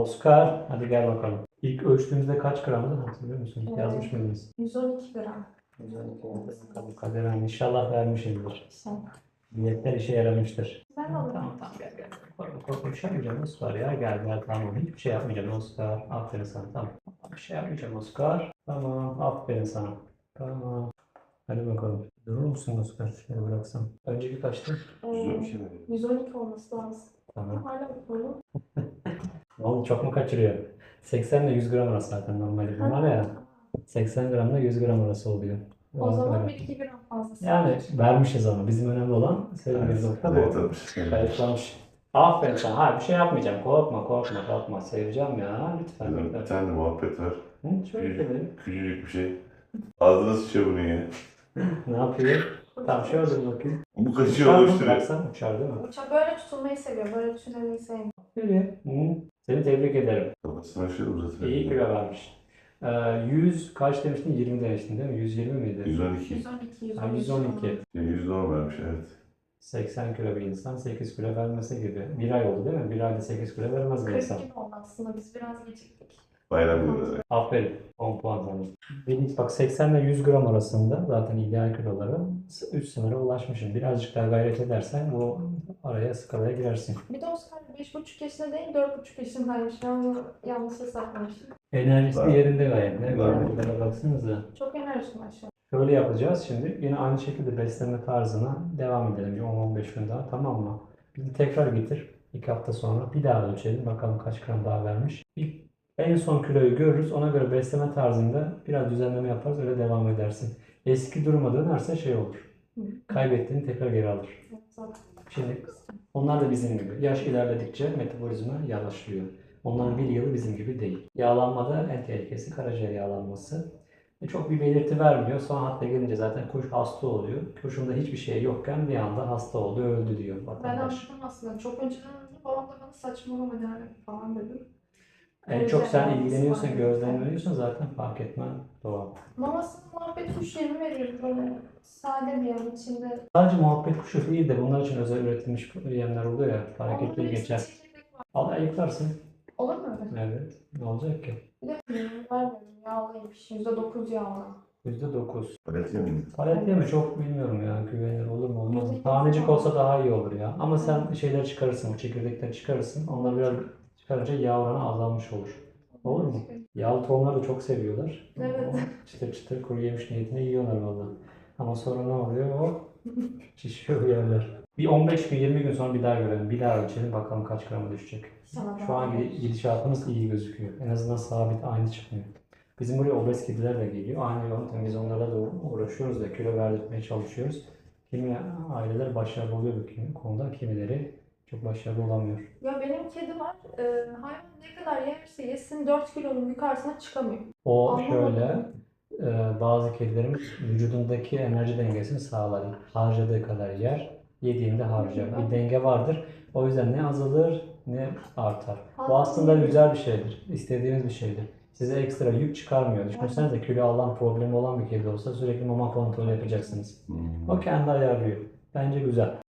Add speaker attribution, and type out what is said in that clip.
Speaker 1: Oscar, hadi gel bakalım. İlk ölçtüğümüzde kaç gramdı hatırlıyor musun? Yazmış mıydınız?
Speaker 2: 112 gram.
Speaker 1: 112 bakalım Kader Hanım. İnşallah vermişizdir.
Speaker 2: Sen.
Speaker 1: Diyetler işe yaramıştır.
Speaker 2: Ben alırım.
Speaker 1: Tamam gel. Korkma bir şey yapmayacağım Oscar ya. Gel tamam. Hiçbir şey yapmayacağım Oscar. Aferin sana tamam. Bir şey yapmayacağım Oscar. Tamam aferin sana. Tamam. Hadi bakalım. Durur musun Oscar? Şöyle bıraksam. Önceki kaçtı?
Speaker 2: 112 olması lazım.
Speaker 1: Tamam.
Speaker 2: Hala böyle.
Speaker 1: Ne oldu çok mu kaçırıyor? 80 ile 100 gram arası zaten normalde bunlar ya. 80 gramla 100 gram arası oluyor.
Speaker 2: O zaman
Speaker 1: Öyle.
Speaker 2: 1-2 gram fazlası.
Speaker 1: Yani vermişiz ama bizim önemli olan sevdiğimiz nokta bu. Kayıtlamış. Aferin sana. Ha bir şey yapmayacağım. Korkma. Seveceğim ya. Lütfen.
Speaker 3: Bir tane de muhabbet var.
Speaker 1: Şöyle dedim.
Speaker 3: Küçücük bir şey. Ağzına sıçıyor bunu ya.
Speaker 1: Ne yapıyor? Tamam şöyle dur bakayım.
Speaker 3: Bu kaşığı
Speaker 1: Uçar mı?
Speaker 3: oluşturuyor.
Speaker 1: Bıraksan uçar değil mi?
Speaker 2: Uçak böyle tutulmayı seviyor. Böyle düşünmeyi sevmiyor.
Speaker 1: Böyle. Seni tebrik ederim.
Speaker 3: Kafasına şöyle uzatıyor.
Speaker 1: İyi kilo vermiş. 100 kaç demiştin? 20 demiştin değil mi? 120 miydi?
Speaker 3: 112.
Speaker 2: 112,
Speaker 1: Ha,
Speaker 2: 113.
Speaker 1: 112.
Speaker 3: 110 vermiş evet.
Speaker 1: 80 kilo bir insan 8 kilo vermesi gibi. Bir ay oldu değil mi? Bir ayda 8 kilo vermez bir insan.
Speaker 2: 42 oldu aslında. Biz biraz geciktik.
Speaker 3: Bayram günü.
Speaker 1: Aferin. 10 puan sana. Benim bak 80 ile 100 gram arasında zaten ideal kiloları üst sınıra ulaşmışım. Birazcık daha gayret edersen bu araya skalaya girersin.
Speaker 2: Bir de Oscar 5,5 yaşında değil 4,5 yaşındaymış. Ben onu yanlış hesaplamışım.
Speaker 1: Enerjisi
Speaker 3: Var.
Speaker 1: yerinde gayet. Ne?
Speaker 3: Var.
Speaker 1: Buralara baksanıza.
Speaker 2: Çok enerjik maşallah.
Speaker 1: Şöyle yapacağız şimdi. Yine aynı şekilde beslenme tarzına devam edelim. Bir 10-15 gün daha tamam mı? Bizi tekrar getir. 2 hafta sonra bir daha ölçelim. Bakalım kaç gram daha vermiş. En son kiloyu görürüz. Ona göre besleme tarzında biraz düzenleme yaparız. Öyle devam edersin. Eski duruma dönerse şey olur. Kaybettiğini tekrar geri alır.
Speaker 2: Zaten.
Speaker 1: Şimdi onlar da bizim gibi. Yaş ilerledikçe metabolizma yavaşlıyor. Onların bir yılı bizim gibi değil. Yağlanmada en tehlikesi karaciğer yağlanması. Çok bir belirti vermiyor. Son hatta gelince zaten kuş hasta oluyor. Kuşunda hiçbir şey yokken bir anda hasta oldu, öldü diyor
Speaker 2: Ben
Speaker 1: vatandaş.
Speaker 2: anladım aslında. Çok önceden babam da bana saçmalama yani falan dedi.
Speaker 1: En çok sen ilgileniyorsun,
Speaker 2: Var.
Speaker 1: gözlemliyorsun zaten fark etmen doğal.
Speaker 2: Mamasının muhabbet kuş yemi veriyor böyle sade bir yem içinde.
Speaker 1: Sadece muhabbet kuşu değil de bunlar için özel üretilmiş yemler oluyor ya, hareketli
Speaker 2: Onun
Speaker 1: geçer.
Speaker 2: çekirdek var.
Speaker 1: Al ayıklarsın.
Speaker 2: Olur mu öyle?
Speaker 1: Evet. Ne olacak ki?
Speaker 2: Bir de vermiyorum. Yağlıymış. %9 yağlı.
Speaker 1: %9.
Speaker 3: Palet yemin.
Speaker 1: Palet mi çok bilmiyorum ya. Güvenilir olur mu olmaz mı?
Speaker 2: %8
Speaker 1: Tanecik
Speaker 2: var.
Speaker 1: olsa daha iyi olur ya. Ama sen şeyleri çıkarırsın, o çekirdekleri çıkarırsın. Onları biraz çıkarınca yağ oranı azalmış olur. Olur mu? Yağlı tohumları da çok seviyorlar.
Speaker 2: Evet.
Speaker 1: Çıtır çıtır kuru yemiş niyetine yiyorlar valla. Ama sonra ne oluyor? O şişiyor yerler. Bir 15 gün 20 gün sonra bir daha görelim. Bir daha ölçelim bakalım kaç grama düşecek. Şu an gidişatımız iyi gözüküyor. En azından sabit aynı çıkmıyor. Bizim buraya obez kediler de geliyor. Aynı yöntem biz onlarla da uğraşıyoruz da kilo verdirtmeye çalışıyoruz. Kimi aileler başarılı oluyor bu konuda, kimileri çok başarılı olamıyor.
Speaker 2: Ya benim kedi var. Hayvan ne kadar yerse yesin 4 kilonun yukarısına çıkamıyor.
Speaker 1: O
Speaker 2: Anlamadım.
Speaker 1: şöyle, bazı kedilerimiz vücudundaki enerji dengesini sağlar. Harcadığı kadar yer, yediğinde harcar. Bir denge vardır. O yüzden ne azalır ne artar. Bu aslında güzel bir şeydir. İstediğimiz bir şeydir. Size ekstra yük çıkarmıyor. Düşünsenize kilo alan problemi olan bir kedi olsa sürekli mama kontrolü yapacaksınız. O kendi ayarlıyor. Bence güzel.